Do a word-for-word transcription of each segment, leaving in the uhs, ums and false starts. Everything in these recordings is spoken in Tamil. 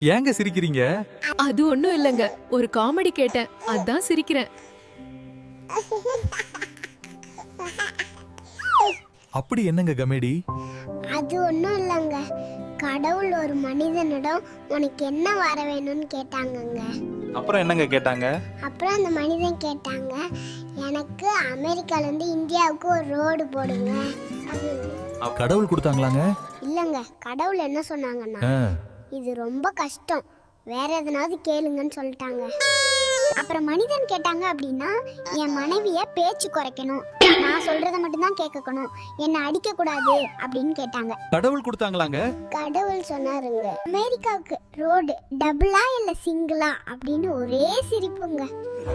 ஏங்க சிரிக்கிறீங்க? அது ஒண்ணும் இல்லங்க, ஒரு காமெடி கேட்டேன், அதான் சிரிக்கிறேன். அப்படி என்னங்க கமெடி? அது ஒண்ணும் இல்லங்க, கடவுள் ஒரு மனிதனிடம் உனக்கு என்ன வர வேணும்னு கேட்டாங்கங்க. அப்புறம் என்னங்க கேட்டாங்க? அப்புறம் அந்த மனிதன் கேட்டாங்க, எனக்கு அமெரிக்கால இருந்து இந்தியாவுக்கு ஒரு ரோடு போடுங்க. கடவுள் கொடுத்தாங்களாங்க? இல்லங்க, கடவுள் என்ன சொன்னாங்கன்னா, இது ரொம்ப கஷ்டம், வேற எதனாவது கேளுங்கன்னு சொல்லிட்டாங்க. அப்புறம் மனிதன் கேட்டாங்க அப்படின்னா, என் மனைவிய பேச்சு குறைக்கணும், நான் சொல்றத மட்டும் தான் கேட்கணும், என்ன அடிக்க கூடாது அப்படின்னு கேட்டாங்க. கடவுள் கொடுத்தாங்களாங்க? கடவுள் சொன்னாருங்க, அமெரிக்காவுக்கு ரோடு டபுளா இல்ல சிங்கிளா அப்படின்னு ஒரே சிரிப்புங்க.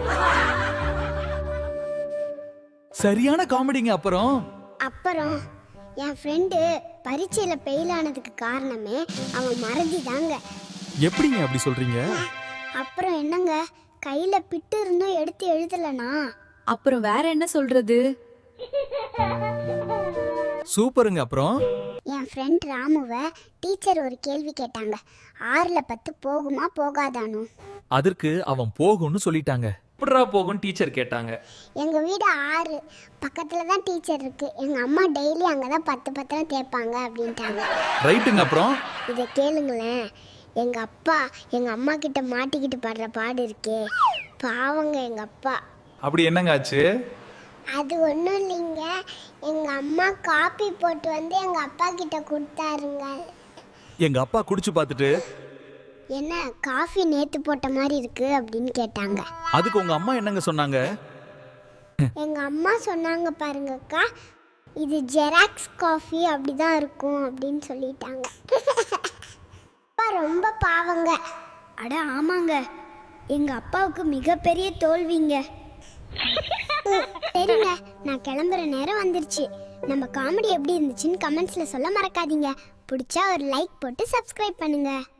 சரியான காமெடிங்க. அப்புறம் அப்புறம் என் ஃப்ரெண்டு பரீட்சையில ஃபெயில் ஆனதுக்கு காரணமே அவன் மறதி தாங்க. எப்படிங்க அப்படி சொல்றீங்க? அப்புறம் என்னங்க, கையில பிட்டு இருந்தும் எடுத்து எழுதலனா. அப்புறம் வேற என்ன சொல்றது? சூப்பருங்க. அப்புறம் என் ஃப்ரெண்ட் ராமுவை டீச்சர் ஒரு கேள்வி கேட்டாங்க, ஆறுல பத்து போகுமா போகாதானு. அதற்கு அவன் போகும்னு சொல்லிட்டாங்க. எப்படிரா போகும் டீச்சர் கேட்டாங்க. எங்க வீடு ஆறு பக்கத்துல தான் டீச்சர் இருக்கு, எங்க அம்மா டெய்லி அங்கதான் பத்து பத்திரம் தேய்ப்பாங்க அப்படின்ட்டாங்க. ரைட்டுங்க. அப்புறம் இதை கேளுங்களேன், எங்க அப்பா எங்க அம்மா கிட்ட மாட்டிக்கிட்டு படுற பாடு இருக்கே, பாவங்க எங்க அப்பா. அப்படி என்னங்க ஆச்சு? அது ஒன்றும் இல்லைங்க, எங்க அம்மா காப்பி போட்டு வந்து எங்க அப்பா கிட்ட கொடுத்தாருங்க. எங்க அப்பா குடிச்சு பார்த்துட்டு, என்ன காஃபி நேத்து போட்ட மாதிரி இருக்கு அப்படின்னு கேட்டாங்க. அதுக்கு உங்க அம்மா என்னங்க சொன்னாங்க? எங்க அம்மா சொன்னாங்க, பாருங்கக்கா, இது ஜெராக்ஸ் காஃபி அப்படிதான் இருக்கும் அப்படின்னு சொல்லிட்டாங்க. அப்பா ரொம்ப பாவங்க. அட ஆமாங்க, எங்க அப்பாவுக்கு மிகப்பெரிய தோல்விங்க. சரிங்க, நான் கிளம்புற நேரம் வந்துருச்சு. நம்ம காமெடி எப்படி இருந்துச்சுன்னு கமெண்ட்ஸ்ல சொல்ல மறக்காதீங்க. பிடிச்சா ஒரு லைக் போட்டு சப்ஸ்கிரைப் பண்ணுங்க.